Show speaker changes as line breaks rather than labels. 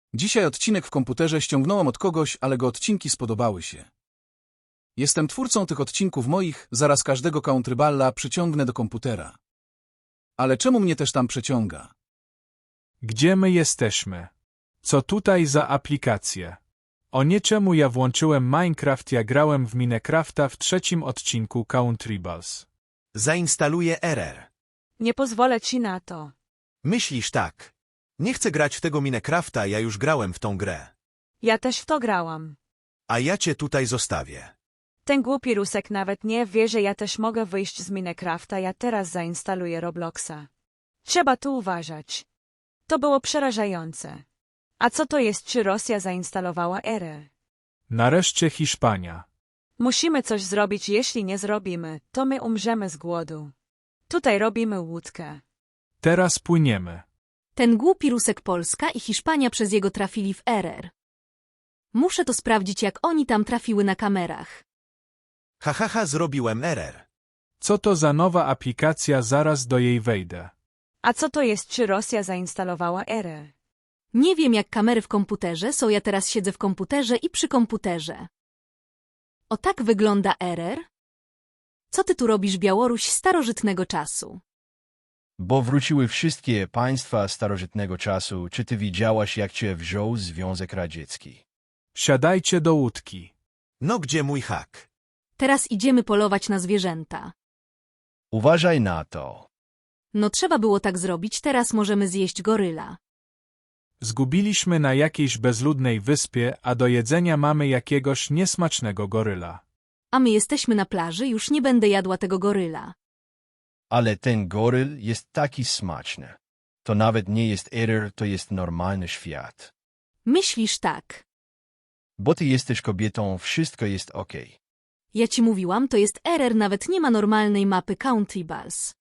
Dzisiaj odcinek w komputerze ściągnąłem od kogoś, ale go odcinki spodobały się. Jestem twórcą tych odcinków moich, zaraz każdego Countryballa przyciągnę do komputera. Ale czemu mnie też tam przeciąga?
Gdzie my jesteśmy? Co tutaj za aplikacje? O nie, czemu ja włączyłem Minecraft, ja grałem w Minecrafta w 3. odcinku Countryballs.
Zainstaluję RR.
Nie pozwolę ci na to.
Myślisz tak. Nie chcę grać w tego Minecrafta, ja już grałem w tą grę.
Ja też w to grałam.
A ja cię tutaj zostawię.
Ten głupi Rusek nawet nie wie, że ja też mogę wyjść z Minecrafta, ja teraz zainstaluję Robloxa. Trzeba tu uważać. To było przerażające. A co to jest, czy Rosja zainstalowała RR?
Nareszcie Hiszpania.
Musimy coś zrobić, jeśli nie zrobimy, to my umrzemy z głodu. Tutaj robimy łódkę.
Teraz płyniemy.
Ten głupi Rusek Polska i Hiszpania przez jego trafili w RR. Muszę to sprawdzić, jak oni tam trafiły na kamerach.
Zrobiłem RR.
Co to za nowa aplikacja, zaraz do jej wejdę.
A co to jest, czy Rosja zainstalowała RR?
Nie wiem, jak kamery w komputerze są, ja teraz siedzę w komputerze i przy komputerze. O tak wygląda RR? Co ty tu robisz, Białoruś starożytnego czasu?
Bo wróciły wszystkie państwa starożytnego czasu. Czy ty widziałaś, jak cię wziął Związek Radziecki?
Siadajcie do łódki.
No gdzie mój hak?
Teraz idziemy polować na zwierzęta.
Uważaj na to.
No trzeba było tak zrobić, teraz możemy zjeść goryla.
Zgubiliśmy na jakiejś bezludnej wyspie, a do jedzenia mamy jakiegoś niesmacznego goryla.
A my jesteśmy na plaży, już nie będę jadła tego goryla.
Ale ten goryl jest taki smaczny. To nawet nie jest RR, to jest normalny świat.
Myślisz tak.
Bo ty jesteś kobietą, wszystko jest okej.
Ja ci mówiłam, to jest RR, nawet nie ma normalnej mapy Countryballs.